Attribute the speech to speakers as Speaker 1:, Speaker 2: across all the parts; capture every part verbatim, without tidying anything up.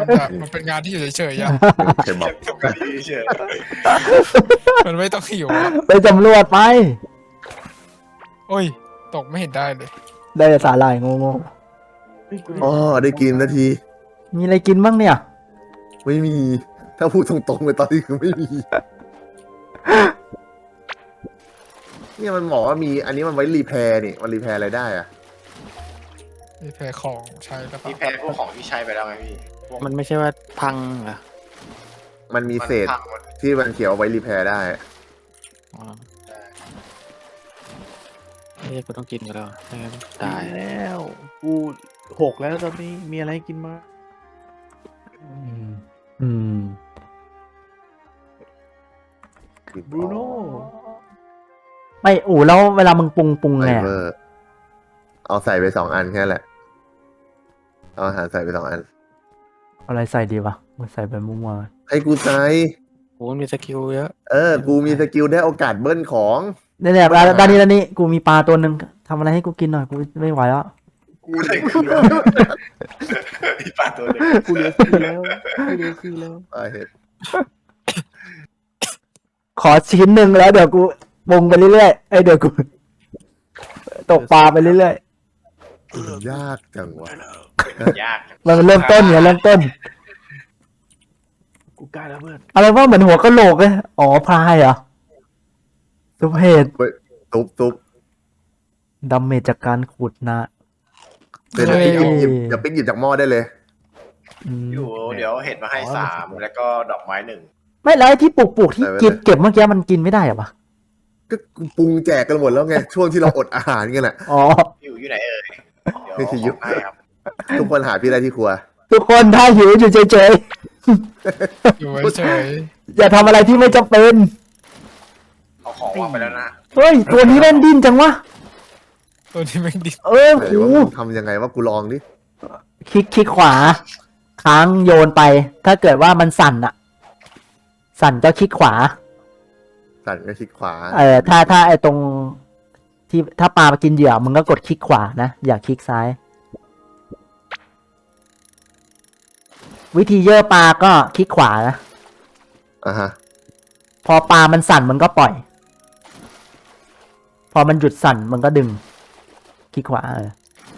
Speaker 1: มันจะมันเป็นงานที่อยู่เฉยๆอะ
Speaker 2: เคยบอก
Speaker 3: ทำการดีเฉย
Speaker 1: มันไม่ต้องหิวอะ
Speaker 4: ไปสำรวจไป
Speaker 1: โอ้ยตกไม่เห็นได้เลย
Speaker 4: ได้แต่สาหร่ายงง
Speaker 2: อ๋อได้กินนาที
Speaker 4: ๆมีอะไรกินบ้างเนี่ย
Speaker 2: ไม่มี ถ้าพูดตรงๆเลยตอนนี้คือไม่มี เนี่ยมันบอกว่ามี อันนี้มันไว้รีแพร์นี่ มันรีแพร์อะไรได้อะ
Speaker 1: มีแพรของใช้แล้ว
Speaker 3: พี่แพ้พวกของที่ใช้ไปแล้วไงพี่พวก
Speaker 5: มันไม่ใช่ว่าพังเหรอ
Speaker 2: มันมีเศษ
Speaker 3: พังหมด
Speaker 2: ที่มันเขียวเอาไว้รีแพร์ได้
Speaker 5: อ๋อเฮ้ยกูต้องกินกันแล้วไม่งั้นตาย
Speaker 6: แล้วกูหกแล้วตอนนี้มีอะไรให้กินมา
Speaker 4: อืมอืม
Speaker 6: บรูโน่
Speaker 4: ไม่อู๋แล้วเวลามึงปรุงปรุง
Speaker 2: ไฟ
Speaker 4: ไง
Speaker 2: เบอร์ เอาใส่ไปสองอันแค่นั้นแหละ เอาอาหารใส่ไปสองอัน
Speaker 4: เอาอะไรใส่ดีวะมึงใส่ไปมั่ว
Speaker 2: ให้กูใส่
Speaker 5: โอ้มีสกิลเยอะ
Speaker 2: เออ กูมีสกิลได้โอกาสเบิ้ลของ
Speaker 4: ๆเนี่ยเนี่ยด้านนี้ด้านนี้กูมีปลาตัวหนึ่งทำอะไรให้กูกินหน่อยกูไม่ไหวแล้ว
Speaker 3: กูเลยคืออีปลาตัวเล็ก
Speaker 6: กูเหลือสี่แล้วกูเหลือสี่แล้ว
Speaker 2: อ่าเห็ด
Speaker 4: ขอชิ้นหนึ่งแล้วเดี๋ยวกูปรุงไปเรื่อยๆเอ้ยเดี๋ยวกู ตกปลาไปเรื่อย
Speaker 2: ยากจังวะ
Speaker 3: ยาก
Speaker 4: ๆมันเริ่มต้นเนี่ยเริ่มต้น
Speaker 6: กูกล้าแล้วเพื่อน
Speaker 4: อะไรว่าเหมือนหัวกะโหลกเลยอ๋อพายเหรอซุปเห็ด
Speaker 2: ตุ๊บตุ๊บ
Speaker 4: ดาเมจจากการขุดนะ
Speaker 2: เป็น
Speaker 4: เฮ้ย
Speaker 2: หยิบหยิบอย่าปิ๊กหยิบจากหม้อได้เลย
Speaker 4: อืม
Speaker 3: อยู่เดี๋ยวเห็ดมาให้สามแล้วก็ดอกไม้หนึ่ง
Speaker 4: ไม่แล้วไอ้ที่ปลูกปลูกๆที่
Speaker 2: ใส่ไว้
Speaker 4: เก็บ
Speaker 2: เลย
Speaker 4: เก็บเมื่อกี้มันกินไม่ได้เหรอวะ
Speaker 2: ก็ปรุงแจกกันหมดแล้วไง ช่วงที่เราอดอาหารกันแหละ
Speaker 4: อ๋อ
Speaker 3: อยู่อยู่ไหนเอ่ยเดี๋ยว
Speaker 2: นี่คือยุ
Speaker 3: ยุ
Speaker 2: บ
Speaker 3: บให้ครับ
Speaker 2: ทุกคนหาพี่ได้ที่ครัว
Speaker 4: ทุกคนถ้าหิวอยู่เฉย
Speaker 1: อยู่เฉย
Speaker 4: ๆ อย่าทำอะไรที่ไม่จำเป็น
Speaker 3: เอาของวางไปแล้วนะ
Speaker 4: เฮ้ย ตัวนี้เล่นดิ้นจังวะ
Speaker 1: ๆตัวนี้แม่งดิ
Speaker 4: เออ
Speaker 2: ไหน
Speaker 4: โห
Speaker 2: ว่ามึงทำยังไงว่ากูลองดิ
Speaker 4: คลิกคลิกขวา ค้างโยนไป ถ้าเกิดว่ามันสั่นอะสั่นก็คลิกขวา
Speaker 2: สั่นก็คลิกขวา
Speaker 4: เออถ้าถ้าไอตรงที่ถ้าปลามากินเหยื่อมึงก็กดคลิกขวานะ อย่าคลิกซ้าย วิธีเย่อปลาก็คลิกขวานะ
Speaker 2: อ่ะฮะ
Speaker 4: พอปลามันสั่นมันก็ปล่อย พอมันหยุดสั่นมันก็ดึง คลิกขวาเออ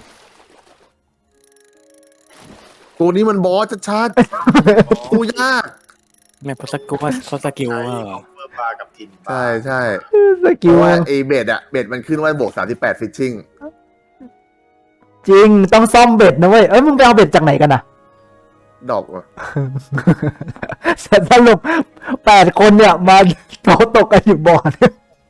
Speaker 2: ตัวนี้มันบอสชัดๆกูยาก
Speaker 5: แม่พอสกิลว่าพอสกิล
Speaker 3: ใช่
Speaker 5: ว่า
Speaker 3: ของเพื่อปลากับทินปลา
Speaker 2: ใช่ใช่
Speaker 4: ส
Speaker 2: เพ
Speaker 4: กิล
Speaker 2: ราะว่าไอเบ็ดอะเบ็ดมันขึ้นว่าบวกสามสิบแปดฟิชชิ่ง
Speaker 4: จริงต้องซ่อมเบ็ดนะเว้ย เอ้ยมึงไปเอาเบ็ดจากไหนกันอะ
Speaker 2: ดอกวะ
Speaker 4: สรุปแปดคนเนี่ยมาเขาตกกันอยู่บ่อเนี่ย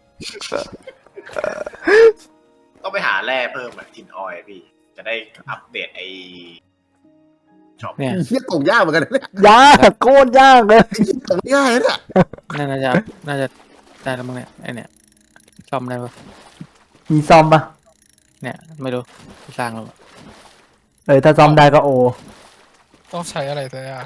Speaker 3: ต้องไปหาแร่เพิ่มอะทินออยล์พี่ จะได้อัปเดตไอช็อป
Speaker 5: เนี่ย
Speaker 2: เฮียตกยากเหมือนกันนะเนี่ย
Speaker 4: ยากโคตรยากเลย
Speaker 2: ตกง่ายนะเนี่ย
Speaker 5: น่าจะน่าจะได้แล้วมั้งเนี่ยไอเนี่ยซ่อมได้ปะ
Speaker 4: มีซ่อมปะ
Speaker 5: เนี่ยไม่รู้สร้างแล้ว
Speaker 4: เออถ้าซ่อมได้ก็โอ
Speaker 1: ต้องใช้อะไรแต่อะ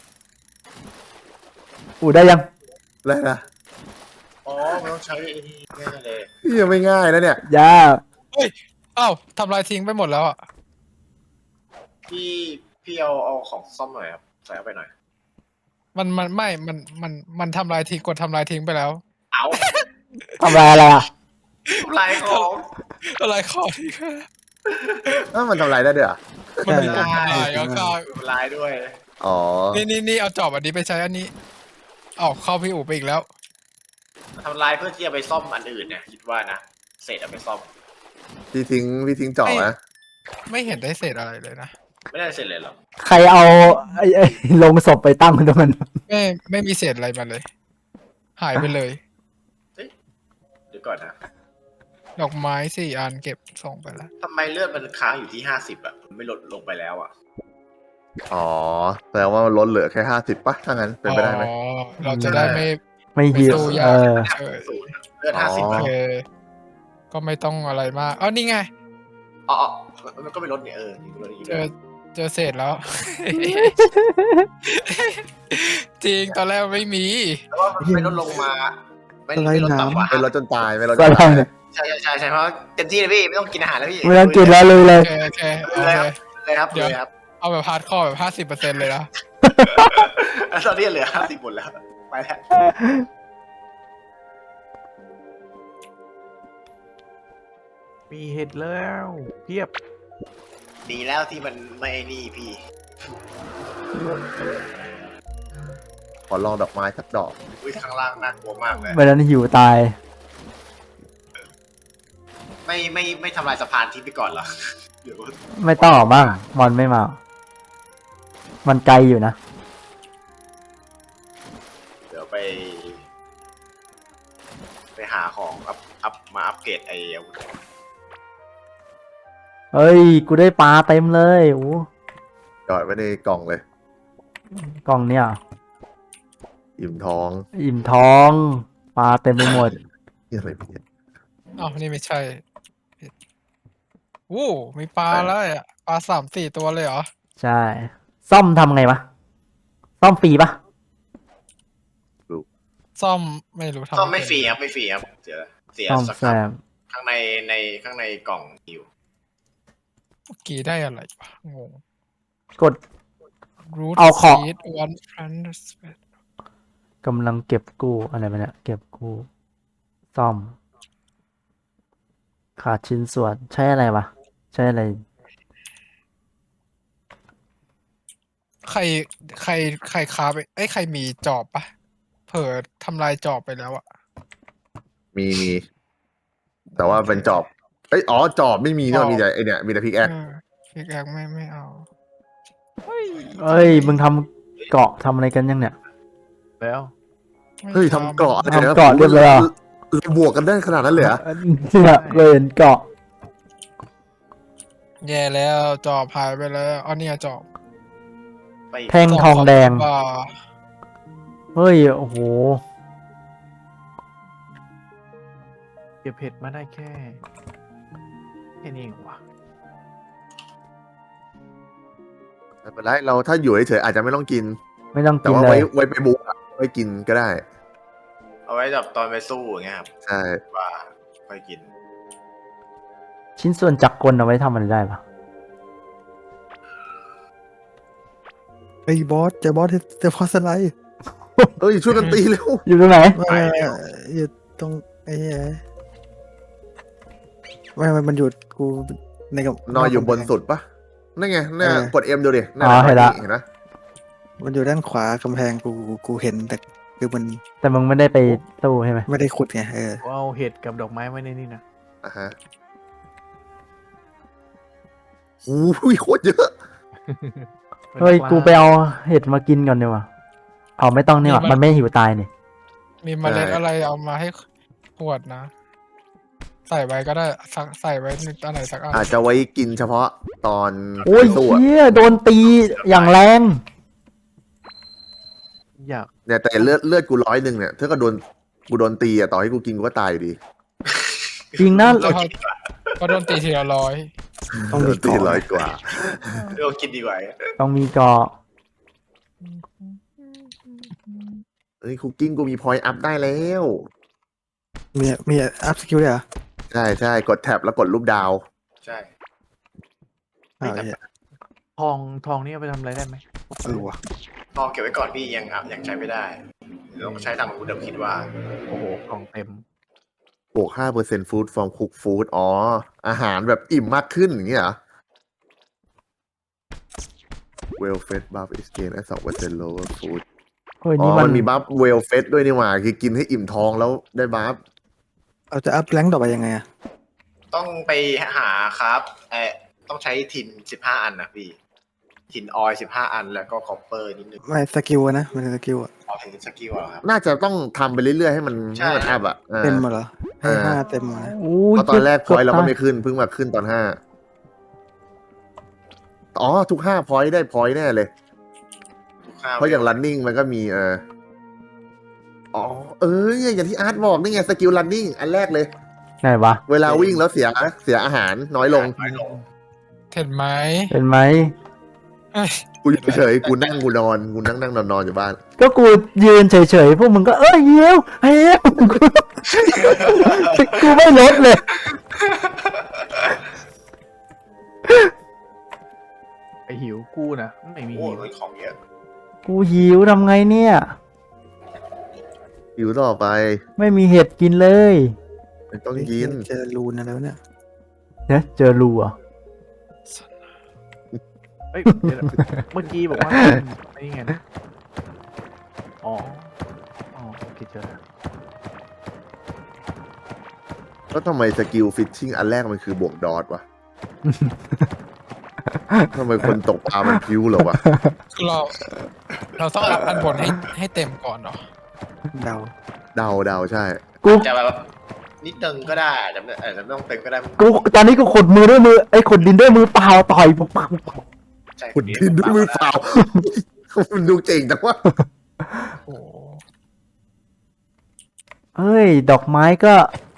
Speaker 4: อูได้ยัง
Speaker 2: อะไรนะ
Speaker 3: อ๋อมันต้องใช้ไอ้นี่แน่เลย
Speaker 2: เฮียไม่ง่ายนะเนี่ย
Speaker 4: ยาก
Speaker 1: เอ้าทำลายทิ้งไปหมดแล้วอ่ะ
Speaker 3: พี่พี่เอาเอาของซ่อมหน่อยครับใส่เข้าไปหน่อย
Speaker 1: มันมันไม่มันมันมันทำลายทิ้งกดทำลายทิ้งไปแล้ว
Speaker 3: เอา
Speaker 4: ทำอะไรอะไรอ่ะ
Speaker 3: ทำลายของ
Speaker 1: อะไรขอที่
Speaker 2: อ้าวมันทำลายได้ด้วยเหรอ
Speaker 1: มันมีปุ่มทำลายก็เข้า
Speaker 3: ทำลายด้วย
Speaker 2: อ๋อ
Speaker 1: นี่นี่นี่เอาจอบอันนี้ไปใช้อันนี้เอาเข้าพี่อู๋ไปอีกแล้ว
Speaker 3: ทำลายเพื่อที่จะไปซ่อมอันอื่นเนี่ยคิดว่านะเศษเอาไปซ่อม
Speaker 2: พี่ทิ้งพี่ทิ้งจ่อนะ
Speaker 1: ไม่เห็นได้เศษอะไรเลยนะ
Speaker 3: ไม่ได้เสร็จเลยหรอ
Speaker 4: ใครเอาไอ้ไอ้ลงศพไปตั้งตรงนั้น
Speaker 1: ไม่ไม่มีเศษอะไรมาเลย หายไปเลย
Speaker 3: เดี๋ยวก่อนนะ
Speaker 1: ดอกไม้สี่อันเก็บส่งไปแล้ว
Speaker 3: ทำไมเลือดมันค้างอยู่ที่ห้าสิบอ่ะมันไม่ลดลงไปแล้วอ่ะ
Speaker 2: อ๋อแสดงว่ามันลดเหลือแค่ห้าสิบป่ะถ้างั้นเป็นไปได้ไหม
Speaker 1: อ๋อเราจะได้ไม่
Speaker 4: ไม่หิว
Speaker 1: ไม่สู้ยาก
Speaker 4: เออ
Speaker 1: เออ
Speaker 3: ศูนย์เลือดห้าสิบ
Speaker 2: อ๋
Speaker 1: โอเคก็ไม่ต้องอะไรมากอ๋อนี่ไง
Speaker 3: อ๋อมันก็ไม่ลดเนี่ยเออนี่ก็ลดอีก
Speaker 1: เจอเจอเศษแล้ว จริงตอนแรกไม่มี
Speaker 3: แต่ว่ามันไม่ลดลงมาไม่ไม่ลดต่ำกว่า
Speaker 2: ไม่ลดจนตายไม่ลดจ
Speaker 4: ก็
Speaker 2: น
Speaker 4: ลอ
Speaker 2: ตาง ย
Speaker 4: เนี่ย
Speaker 3: ใช่ใช่ใช่ใช่เพราะเต็มที่เลยพี่ไม่ต้องกินอาหารแล้วพี่
Speaker 4: ไม่ต้องกินแล้วเลยเล
Speaker 1: โอย เคโอเคโอเค
Speaker 3: เลยครับเลยครับ
Speaker 1: เดี๋ยว
Speaker 3: เลยครับ
Speaker 1: เอาแบบฮาร์ดคอร์แบบห้าสิบเปอร์เซ็นต์เลยนะ
Speaker 3: ตอนนี้เหลือห้าสิบหมดแล้วไปแล้ว
Speaker 6: มีเห็ดแล้วเพียบ
Speaker 3: ดีแล้วที่มันไม่ไอ้นี่พี่
Speaker 2: ขอลองดอกไม้สักดอก
Speaker 3: อุ้ยข้างล่างน่ากลัวมากเลย
Speaker 4: เวลานั้นหิวตาย
Speaker 3: ไม่ไม่ไม่ทำลายสะพานทิ้งไปก่อนเหรอเดี๋ยว
Speaker 4: ไม่ต้องหรอกบ้างมอนไม่มา มันไกลอยู่นะ
Speaker 3: เดี๋ยวไป ไปหาของอัพอัพมาอัปเกรดไอ้อาวุธ
Speaker 4: เฮ้ย กูได้ปลาเต็มเลยโอ้
Speaker 2: จอดไว้ในกล่องเลย
Speaker 4: กล่องเนี่ย
Speaker 2: อิ่มท้อง
Speaker 4: อิ่มท้อง ปลาเต็มไปหมด
Speaker 2: นี่อะไรพี่
Speaker 1: อ้าวนี่ไม่ใช่ผิดโอ้มีปลาแล้วอ่ะปลาสามสี่ตัวเลยเหรอ
Speaker 4: ใช่ ซ่อมทำไงวะ ซ่อมฟรีปะ
Speaker 1: ซ่อมไม่รู้ทำ
Speaker 3: ก็ไม่ฟรีครับไม่ฟรีครับเสียเสีย
Speaker 4: ซ่อม
Speaker 3: สัก
Speaker 4: แซ
Speaker 3: ครับ
Speaker 4: ม
Speaker 3: ข้างในในข้างในกล่องอยู่
Speaker 1: เมื่อกี้ได้อะไรวะงง
Speaker 4: กด
Speaker 1: root
Speaker 4: เอาของ
Speaker 1: seed one plant
Speaker 4: กำลังเก็บกู้อะไรมาเนี่ย เก็บกู้ ซ่อม ขาดชิ้นส่วน ใช้อะไรวะ ใช้อะไร
Speaker 1: ใครใครใครค้าไปเอ้ยใครมีจอบปะเผลอทำลายจอบไปแล้วอะ
Speaker 2: มีมี แต่ว่าเป็นจอบ เอ้ยอ๋อจอบไม่มีก็มีแต่ไอเนี่ยมีแต่พิกแอค
Speaker 1: เออพิกแอคไม่ไม่เอา
Speaker 4: เอ้ย มึงทำเกาะทำอะไรกันยังเนี่ย
Speaker 6: แล้ว
Speaker 1: ไม่
Speaker 2: เฮ้ยทำเกาะอะไรนะ
Speaker 4: ทำเกาะเรียบร้อยอ่ะ
Speaker 2: เราบวกกันได้ขนาดนั้นเลยเหรอ
Speaker 4: เนี่ยเลยเห็นเกาะ
Speaker 1: แย่แล้วจอบหายไปแล้วอ๋อเนี่ยจอบ
Speaker 3: ไป
Speaker 4: แท่งทองแดง
Speaker 1: ป่า
Speaker 4: เฮ้ย โอ้โห
Speaker 6: เก็บเห็ดมาได้แค่แค่นี้เองวะ
Speaker 2: ไม่เป็นไรเราถ้าอยู่เฉยๆอาจจะไม่ต้องกิน
Speaker 4: ไม่ต้อง
Speaker 2: แต่
Speaker 4: กิน
Speaker 2: ว่า
Speaker 4: เล
Speaker 2: ไว้
Speaker 4: ย
Speaker 2: ไว้ไปบุกอะไว้กินก็ได้
Speaker 3: เอาไว้แบบตอนไปสู้อย่างเงี้ยครับ
Speaker 2: ใช่
Speaker 3: ว่าค่อยกิน
Speaker 4: ชิ้นส่วนจักรกลเอาไว้ทำอะไรได้ปะ
Speaker 7: ไอ้บอสเจอบอสเจอบอสอะไร
Speaker 2: เอ้ยช่วยกันตีเร็ว
Speaker 4: อยู่ตรงไหน
Speaker 7: ไม่อยู่ตรงไอ้เหี้ยไม่ไม่มันอยู่กูในกับ
Speaker 2: นอนอยู่บนสุดปะนั่นไงน่ากดเอ็มดูดินั่น
Speaker 4: อ๋อเห็นละ
Speaker 2: เห็นไหม
Speaker 7: มันอยู่ด้านขวากำแพงกูกูเห็นแต่คือมัน
Speaker 4: แต่มึงไม่ได้ไปตู้ใช่ไหม
Speaker 7: ไม่ได้ขุดไงเออ
Speaker 6: กูเอาเห็ดกับดอกไม้ไว้ในนี่นะ
Speaker 2: อ่ะฮะโอ้ยโคตรเยอะ
Speaker 4: เฮ้ย กูไปเอาเห็ดมากินก่อนดีกว่าเอาไม่ต้องนี่หว่ามันไม่หิวตายนี่
Speaker 1: มีเมล็ดอะไรเอามาให้ขวดนะ ใส่ไว้ก็ได้สักใส่ไว้ในอันไหนสักอัน
Speaker 2: อาจจะไว้กินเฉพาะตอน
Speaker 4: โอ้ย
Speaker 2: สู้อะ
Speaker 4: เฮียโดนตีอย่างแรง
Speaker 6: อยาก
Speaker 2: เนี่ยแต่เลือดเลือดกูร้อยหนึ่งเนี่ยถ้าก็โดนกูโดนตีอะต่อให้กูกินกูก็ตายอยู่ดี
Speaker 4: จริงนะ
Speaker 1: แล้วพอพอโดนตีทีละร้อย
Speaker 7: ต้อง
Speaker 2: โด
Speaker 7: มี
Speaker 2: นตี
Speaker 7: เกาะ
Speaker 2: ร้อยกว่า
Speaker 3: เดี๋ยวกินดีกว่า
Speaker 4: ต้องมีเกาะ
Speaker 2: เอ้ยคุกกิ้งกูมีพอยต์อัพได้แล้ว
Speaker 7: มีมีอัพสกิลด้วยเหรอ
Speaker 2: ใช่ใช่กดแท็บแล้วกดรูปดาว
Speaker 3: ใช่
Speaker 7: อ้าวไอ้เหี้ย
Speaker 6: ทองทองนี่เอาไปทำอะไรได้ไหม
Speaker 7: เออวะ
Speaker 3: ลองเก็บไว้ก่อนพี่ยังอ่ะยังใช้ไม่ได้เดี๋ยวต้องใช้ทางคุณเดิมคิดว่า
Speaker 6: โอ้โหกล่องเต็ม
Speaker 2: บวกห้าเปอร์เซ็นต์ฟู้ดฟอร์มคุกฟู้ดอ๋อ อาหารแบบอิ่มมากขึ้นอย่างเงี้ยเหรอ well fed buff is gain at สองเปอร์เซ็นต์ lower food
Speaker 4: เฮ้ย
Speaker 2: อ๋อ
Speaker 4: นี่มัน
Speaker 2: มันมีบัฟ well fed ด้วยนี่หว่า คือกินให้อิ่มท้องแล้วได้บัฟ
Speaker 7: เราจะอัพแรงต่อไปยังไงอะ
Speaker 3: ต้องไปหาครับเออต้องใช้ทินสิบห้าอันนะพี่ทินออยสิบห้าอันแล้วก็คอปเปอร์นิดนึง
Speaker 7: ไม่สกิลอะนะมันเป็นสกิลอะ
Speaker 3: เอาถึงสกิลเหรอครับ
Speaker 2: น่าจะต้องทำไปเรื่อยๆ ให้มัน
Speaker 3: ใช่
Speaker 2: ให้มันอัพอ่ะอ่า
Speaker 7: เต็มมาเหรอให้
Speaker 2: เออ
Speaker 7: ห้าเต็มมา
Speaker 4: โอ้ย
Speaker 2: เพราะตอนแรกพอยต์เราก็
Speaker 4: ต
Speaker 2: ไม่ขึ้นเพิ่งมาขึ้นตอนห้าอ๋อ ทุกห้าพอยต์ได้พอยต์แน่เลย
Speaker 3: ข้าว
Speaker 2: เพราะอย่าง running มันก็มีเอออ๋อ เออเนี่ยอย่างที่อาร์ตบอกนี่ไงสกิล running อันแรกเลย
Speaker 4: ไหนวะ
Speaker 2: เวลาวิ่งแล้วเสียเสียอาหารน้อยลง
Speaker 3: น้อยลง
Speaker 1: เห็นไหม
Speaker 4: เห็นไหม
Speaker 1: เอ้ย
Speaker 2: กูอยู่เฉยๆกูนั่งกูนอนกูนั่งนั่งนอนนอนอยู่บ้าน
Speaker 4: ก็กูยืนเฉยๆ พวกมึงก็เอ้ยเหี้ยวเหี้ยวกูกูไม่ลดเลย
Speaker 6: ไอหิวกูนะไม่มี
Speaker 3: โอ้
Speaker 6: หิว
Speaker 3: ยของเยอะ
Speaker 4: กูหิวทำไงเนี่ย
Speaker 2: อยู่ต่อไป
Speaker 4: ไม่มีเห็ดกินเลย
Speaker 2: มันต้องกิน
Speaker 7: เจอรูนอะไรแล้วเนี่ย
Speaker 4: เนี่ยเจอรูอ่ะ
Speaker 6: เอ้ยเดี๋ยวนะเมื่อกี้บอกว่าไอ้นี่ไงนะอ๋ออ๋อโอเคเจอแล้ว
Speaker 2: แล้วทำไมสกิลฟิชชิ่งอันแรกมันคือบวกดอทวะ ทำไมคนตกปลามันพิ้วเหรอวะ
Speaker 1: คือเรา เราต้องอัพอันบนให้ให้เต็มก่อนเหรอ
Speaker 7: เดา
Speaker 2: เดาเดาใช่
Speaker 4: กู
Speaker 3: จะแบบนิดตึงก็ได้จะไม่เออจะไม่ต้องตึงก็ได้
Speaker 4: กูตอนนี้กูขุดมือด้วยมือไอ้ขุดดินด้วยมือเปล่าต่อยปุ๊บปั๊บปุ๊บปั๊บ
Speaker 3: ใช่
Speaker 2: ขุดดินด้วยมือเปล่า มันดูเจ๋งจังวะ
Speaker 1: โอ้โห
Speaker 4: เฮ้ย ดอกไม้ก็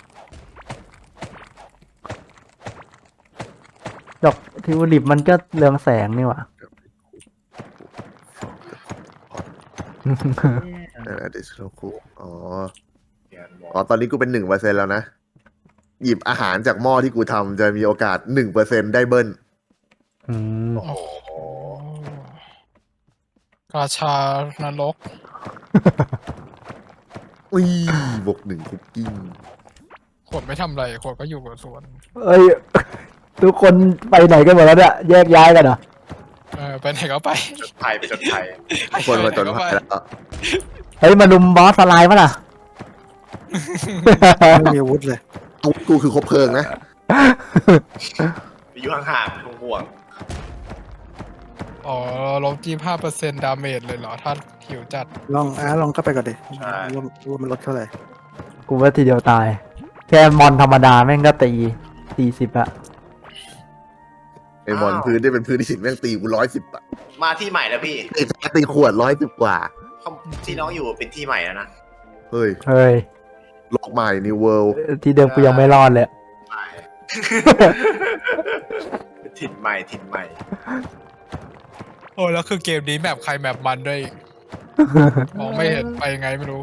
Speaker 4: ดอกทิวลิปมันก็เรืองแสงนี่หว่า
Speaker 2: เออเดชโลคุอ๋อ
Speaker 3: เดี๋ยวบอก
Speaker 2: อ๋อ ตอนนี้กูเป็นหนึ่งเปอร์เซ็นแล้วนะ หยิบอาหารจากหม้อที่กูทำจะมีโอกาสหนึ่งเปอร์เซ็นได้เบิ้ล
Speaker 4: อืม
Speaker 3: โอ้โห
Speaker 1: ราชานรก
Speaker 2: อุ้ยบวกหนึ่งคุกกิ้ง
Speaker 1: ขวดไม่ทำอะไรขวดก็อยู่กับสวน
Speaker 4: เอ้ย ทุกคนไปไหนกันหมดแล้วเนี่ย แยกย้ายกันเหรอ
Speaker 1: เออ ไปไหนก็ไป
Speaker 3: จดภัยไปจดภัย
Speaker 2: คนมาจน
Speaker 1: ไป
Speaker 2: ภั
Speaker 1: ไห
Speaker 2: ย
Speaker 1: ก็
Speaker 2: แล้ว
Speaker 4: เฮ้ย มาลุมบอสสไลด์ปะล่ะ
Speaker 7: ไม่มีอาวุธเลย
Speaker 2: เอากูคือคบเพลิงนะ
Speaker 3: อยู่ห่างๆห่วง
Speaker 1: อ๋อลบยี่ห้าเปอร์เซ็นต์ดาเมจเลยเหรอ ถ้าหิวจัด
Speaker 7: ลองอาร์ตลองเข้าไปก่อนดิว่าว่ามันลดเท่าไหร่
Speaker 4: กูว่าทีเดียวตาย แค่มอนธรรมดาแม่งก็ตีสี่สิบอะ
Speaker 2: ไอ้บอลพื้นได้เป็นพื้นที่สิบแม่งตีกูร้อยสิบอะ
Speaker 3: ๆมาที่ใหม่แล้วพี่
Speaker 2: ไอ้แฟตีขวดร้อยสิบกว่า
Speaker 3: เขาที่น้องอยู่เป็นที่ใหม่แล้วนะ
Speaker 2: เฮ้ย
Speaker 4: เฮ้ย
Speaker 2: โลกใหม่ New World
Speaker 4: ที่เดิมกูยังไม่รอดเลย
Speaker 3: ใหม่ ถิ่นใหม่ถิ่นใหม่
Speaker 1: โอ้แล้วคือเกมนี้แมปใครแมปมันด้วยอีกมองไม่เห็นไปยังไงไม่รู้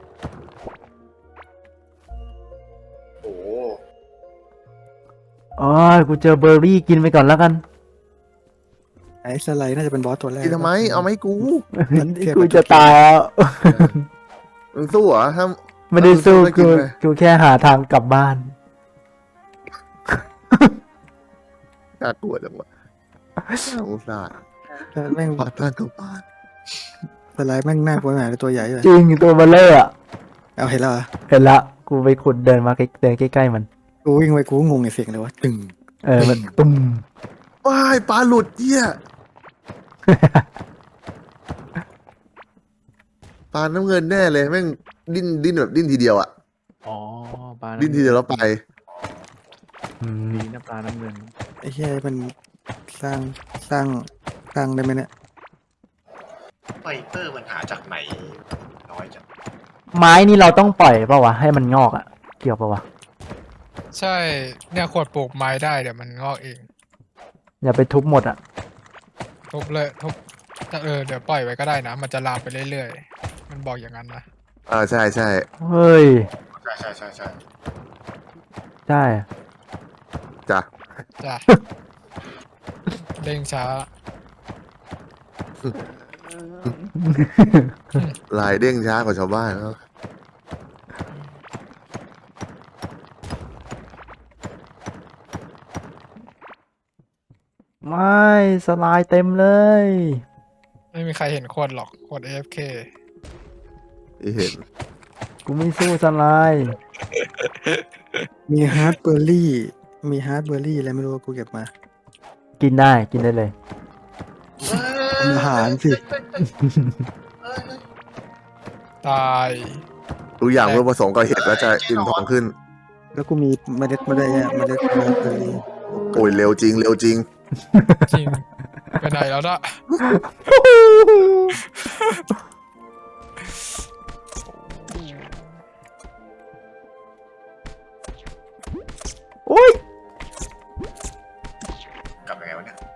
Speaker 3: โอ้โห
Speaker 4: อ๋อ กูเจอเบอร์รี่กินไปก่อนแล้วกัน
Speaker 7: ไอ้สไลด์น่าจะเป็นบอสตัวแรก
Speaker 2: กินทำไม เอาไหมกู
Speaker 7: มันแค่
Speaker 4: กูจะตายแล้ว
Speaker 2: มึงสู้เหรอถ้า
Speaker 4: ไม่ได้สู้
Speaker 2: ไม่กิ
Speaker 4: กู
Speaker 2: นเลย
Speaker 4: กูแค่หาทางกลับบ้าน
Speaker 2: น่ากลัวจังวะสงสาร
Speaker 7: แม่ง
Speaker 2: ปาดทางกลับบ้าน
Speaker 7: สไลด์แม่งน่ากลัวหนาตัวใหญ่เลย
Speaker 4: จริงตัวเบลเลอร์อะ
Speaker 7: เอาเห็นแล้วเหรอ
Speaker 4: เห็นละ กูไปขุดเดินมาใกล้เดินใกล้ๆมัน
Speaker 7: กูวิ่งไปกูก็งงไอ้เสียงเลยวะตึง
Speaker 4: เออ มันตุ้ม
Speaker 2: ว้ายปลาหลุดเหี้ยปลาน้ำเงินแน่เลยแม่งดิ้นดิ้นแบบดิ้นทีเดียวอะ
Speaker 6: อ๋อปลา
Speaker 2: ดิ้นทีเดียวแล้วไป
Speaker 4: อืม
Speaker 6: ดีนะปลาน้ำเงิน
Speaker 7: ไอ้เหี้ยมันสร้างสร้างสร้างได้ไหมเนี่ย
Speaker 3: ไฟเตอร์มันหาจากไหน น้อยจัง
Speaker 4: ไม้นี่เราต้องปล่อยเปล่าวะ ให้มันงอกอะเกี่ยวเปล่าวะ
Speaker 1: ใช่ เนี่ยขวดปลูกไม้ได้เดี๋ยวมันงอกเอง
Speaker 4: อย่าไปทุบหมดอะ
Speaker 1: ทุบเลยทุบเออเดี๋ยวปล่อยไว้ก็ได้นะ มันจะลามไปเรื่อยๆ มันบอกอย่างนั้นนะ
Speaker 2: อ่าใช่ใช่
Speaker 4: เฮ้ย
Speaker 3: ใช่ใช่ใช่ใช่
Speaker 4: ใช่
Speaker 2: จ้ะ
Speaker 1: จ้ะ เร่งช้า
Speaker 2: ลายเด้งช้ากว่าชาวบ้านแล้ว
Speaker 4: ไม่สไลด์เต็มเลย
Speaker 1: ไม่มีใครเห็นขวดหรอกขวด เอ เอฟ เค
Speaker 2: ที่เห็น
Speaker 4: กูไม่สู้สไลด์
Speaker 7: มีฮาร์ดเบอร์รี่มีฮาร์ดเบอร์รี่อะไรไม่รู้กูเก็บมา
Speaker 4: กินได้กินได้เลย
Speaker 7: อาหารสิ
Speaker 1: ตาย
Speaker 2: ทุกอย่างเมื่อผสมกับเห็ดแล้วจะอิ่มท้องขึ้น
Speaker 7: แล้วกูมีเมล็ดมาได้วยอะเมล็ดฮาร์ดเบอร์รี่
Speaker 2: โอ้ยเร็วจริงเร็วจริง
Speaker 1: จริง ไปไหนแล้วนะ
Speaker 4: โอ้ย
Speaker 3: กลับยังไงวะเนี่ย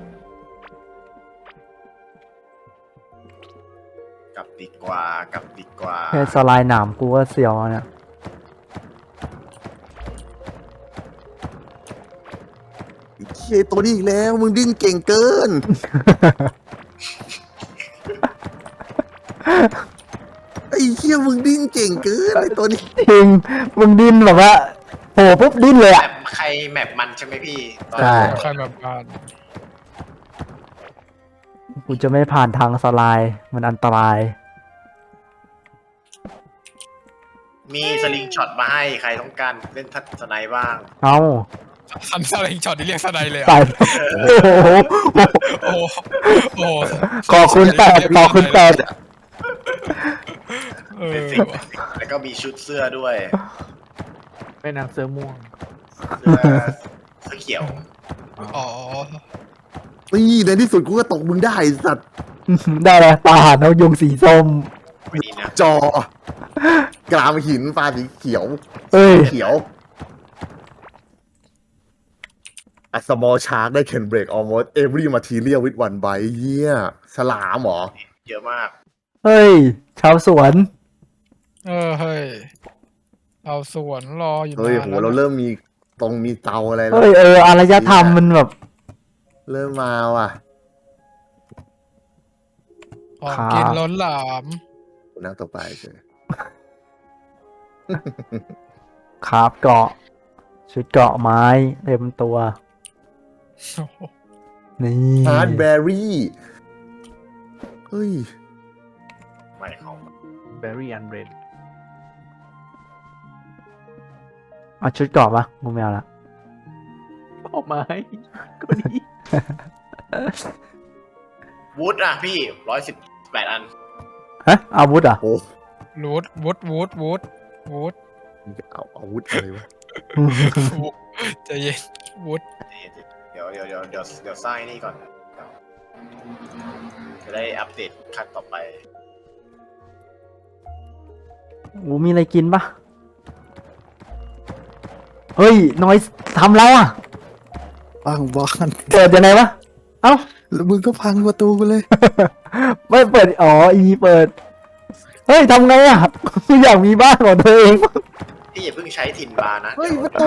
Speaker 3: กลับดีกว่ากลับดีกว่า
Speaker 4: แค่สไลด์หนามกูก็เสียวแล้วเนี่ย
Speaker 2: เชี่ยตัวนี้อีกแล้ว มึงดิ้นเก่งเกินงดิ้นเก่งเกินไอตัวนี้
Speaker 4: จริงมึงดิ้นแบบว่าโผล่ปุ๊บดิ้นเลย
Speaker 3: แม
Speaker 4: อ่ะ
Speaker 3: ปใครแมปมันใช่ไหมพี่ตอน
Speaker 4: ใช่
Speaker 3: นั้น
Speaker 1: ใครแบบบ้าน
Speaker 4: กูจะไม่ผ่านทางสไลด์มันอันตราย
Speaker 3: มีสลิงช็อตมาให้ใครต้องการเล่นทัศสไนด์บ้าง
Speaker 4: เอ้า
Speaker 1: ซันสลิงช็อตที่เรียกสไนเลยอะ
Speaker 4: ใส่โอ้โห
Speaker 1: โอ้โหโอ้โห
Speaker 4: ขอคุณแปดขอคุณแปด
Speaker 1: เอ
Speaker 3: เป็น
Speaker 1: อ
Speaker 3: สิ่งแล้วก็มีชุดเสื้อด้วย
Speaker 6: แม่นางเสื้อม่วง
Speaker 3: เสื้อเสื้อเขียว
Speaker 1: อ๋อ
Speaker 2: นี่ในที่สุดกูก็ตกมึงได้ไอ้สัตว์
Speaker 4: ได้เลยตาหานกยุงสีส้ม
Speaker 3: ไม่ดีนะ
Speaker 2: จอกรามหินฟ้าสีเขียว
Speaker 4: เอ้ย
Speaker 2: เขียว A small shark that can break almost every material with one bite เยี่ยฉลามเหรอ
Speaker 3: เยอะมาก
Speaker 4: เฮ้ย ชาวสวน
Speaker 1: เออเฮ้ยเราสวนรออยู่
Speaker 2: เฮ้ย
Speaker 1: นาน
Speaker 2: โห
Speaker 1: แล้ว
Speaker 2: เรา
Speaker 1: นะ
Speaker 2: เริ่มมีตรงมีเตาอะไรแล้ว
Speaker 4: เฮ้ย เอออารยธรรมมันแบบ
Speaker 2: เริ่มมาว่ะ
Speaker 1: ของ
Speaker 4: ครับ
Speaker 1: กินล้นหลาม
Speaker 2: กูนั่งตกปลาเฉย
Speaker 4: คราบเกาะ ชุดเกาะไม้เต็มตัว
Speaker 1: โอ้โห
Speaker 4: นี่
Speaker 2: ฮาร์ดแบรี่เฮ้ย
Speaker 3: ไม่ของ
Speaker 6: Berry and Red
Speaker 4: เอาชุดเกาะปะกูไม่เอาละ
Speaker 6: ออกไม้ก็ดี
Speaker 3: วูดอ่ะพี่ร้อยสิบแปดอัน
Speaker 4: ฮะอาวุธเหรอ่ะ
Speaker 2: โอ้
Speaker 1: วูดวูดวูดวูดวูด
Speaker 2: มึงจะเอาอาวุธอะไรวะ
Speaker 1: ใจเย็นวูด
Speaker 3: เดี๋ยวเดี๋ยวเดี๋ยวเดี๋ยวเดี๋ยวสร้างนี่ก่อน จะได้อัปเดตขั้นต่อไป
Speaker 4: โอ้มีอะไรกินปะเฮ้ยน้อยทำแล้วอ่ะ
Speaker 7: พังบ้าน
Speaker 4: เปิดยังไงวะ เอ้า
Speaker 7: แล้วมึงก็พังประตูกูเลย
Speaker 4: ไม่เปิด อ๋อ อีเปิด เฮ้ยทำไงอ่ะ กูอยากมีบ้านของตัวเอง
Speaker 3: พี่อย่าเพิ่งใช้ถิ่นบาร์นะ
Speaker 2: เฮ้ย
Speaker 3: ดี๋ว
Speaker 2: ประตู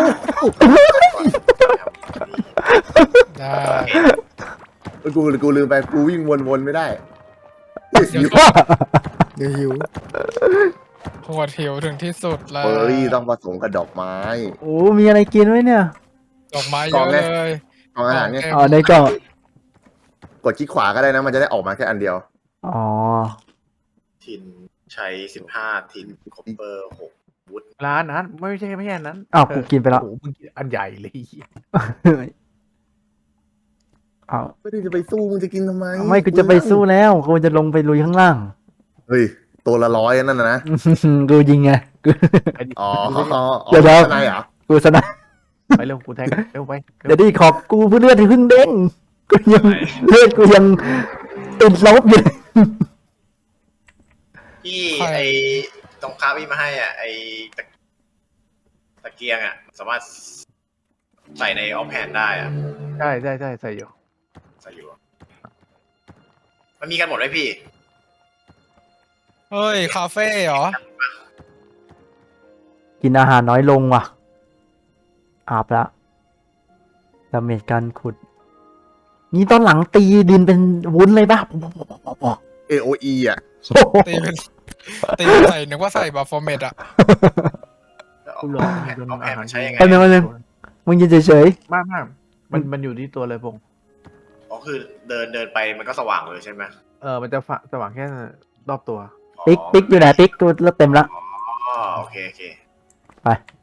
Speaker 1: ได้
Speaker 2: กูกูลืมไปกูวิ่งวนๆไม่ได้
Speaker 1: เดี๋ยวหิวหัวเถียวถึงที่สุดแล้ว
Speaker 2: เบอร์รี่ต้องผสมกับดอกไม้
Speaker 4: โอ้มีอะไรกินไว้เนี่ย
Speaker 1: ดอกไม้
Speaker 2: ก
Speaker 1: เย
Speaker 2: ล่อง
Speaker 1: อะ
Speaker 2: ไง
Speaker 1: เลย
Speaker 2: กล่องอาหารเนี่ย
Speaker 4: อ๋อในกล่อง
Speaker 2: กดคลิกขวาก็ได้นะ มันจะได้ออกมาแค่อันเดียว
Speaker 4: อ๋อ
Speaker 3: ถิ่นใช้สิบห้าถิ่นคอปเปอร์หกวุฒ
Speaker 6: ร้านนั้นไม่ใช่ไม่ใช่อันนั้น
Speaker 4: อ้าวกูกินไปแล้ว
Speaker 6: โอ้โหมึงกินอันใหญ่เลย
Speaker 4: อ้าว
Speaker 2: ไม่ได้จะไปสู้มึงจะกินทำไม
Speaker 4: ไม่กูจะไปสู้แล้วกูจะลงไปลุยข้างล่าง
Speaker 2: เฮ้ย ตัวละร้อยนั่นนะนะ
Speaker 4: กูยิงไงกู
Speaker 2: อ๋ออ๋อ
Speaker 4: เดี๋ยวเดี๋ยว
Speaker 2: ข้างในเหรอ
Speaker 4: กูสนะ
Speaker 6: ไปเร็วกูแทงเร็วไปเร็ว
Speaker 4: เดี๋ยวดิขอบกูเพื่อเลือดที่เพิ่งเด้งกูยังเลือดกูยังติดลบอยู่เลย
Speaker 3: ที่ไอตรงค้าพี่มาให้อ่ะ ไอตะตะเกียงอ่ะ สามารถใส่ในออฟแฮนได้อ่ะ
Speaker 6: ใช่ใช่ใช่ใส่อยู่
Speaker 3: ใส่อยู่อะมันมีกันหมดไหมพี่
Speaker 1: เฮ้ย คาเฟ่เหรอ
Speaker 4: กินอาหารน้อยลงว่ะ อาบละดาเมจการขุด นี่ตอนหลังตีดินเป็นวุ้นเลยป่ะ
Speaker 2: เอ โอ อี อ่ะ
Speaker 1: ตีเป็นตีเป็นใส่นึกว่าใส่บาฟอร์เมตอะ
Speaker 3: แล้วอ
Speaker 6: กู
Speaker 3: อ
Speaker 6: ล
Speaker 3: ฟ
Speaker 6: อง
Speaker 3: แฮน
Speaker 6: จน
Speaker 3: ออฟแฮ
Speaker 6: อาน หาร
Speaker 3: มันใช้ยังไง
Speaker 4: แป๊บนึงแป๊บนึง มึงยืนเฉย
Speaker 6: มากมากมันมันอยู่ที่ตัวเลยพงษ์
Speaker 3: อ๋อคือเดินเดินไปมันก็สว่างเลยใช่ไหม
Speaker 6: เออมันจะฝสว่างแค่รอบตัว
Speaker 4: ๆ ปิ๊กปิ๊กอยู่ไหนปิ๊กกูเริ่มเต็มละ
Speaker 3: อ๋อโอเคโอเค
Speaker 4: ไป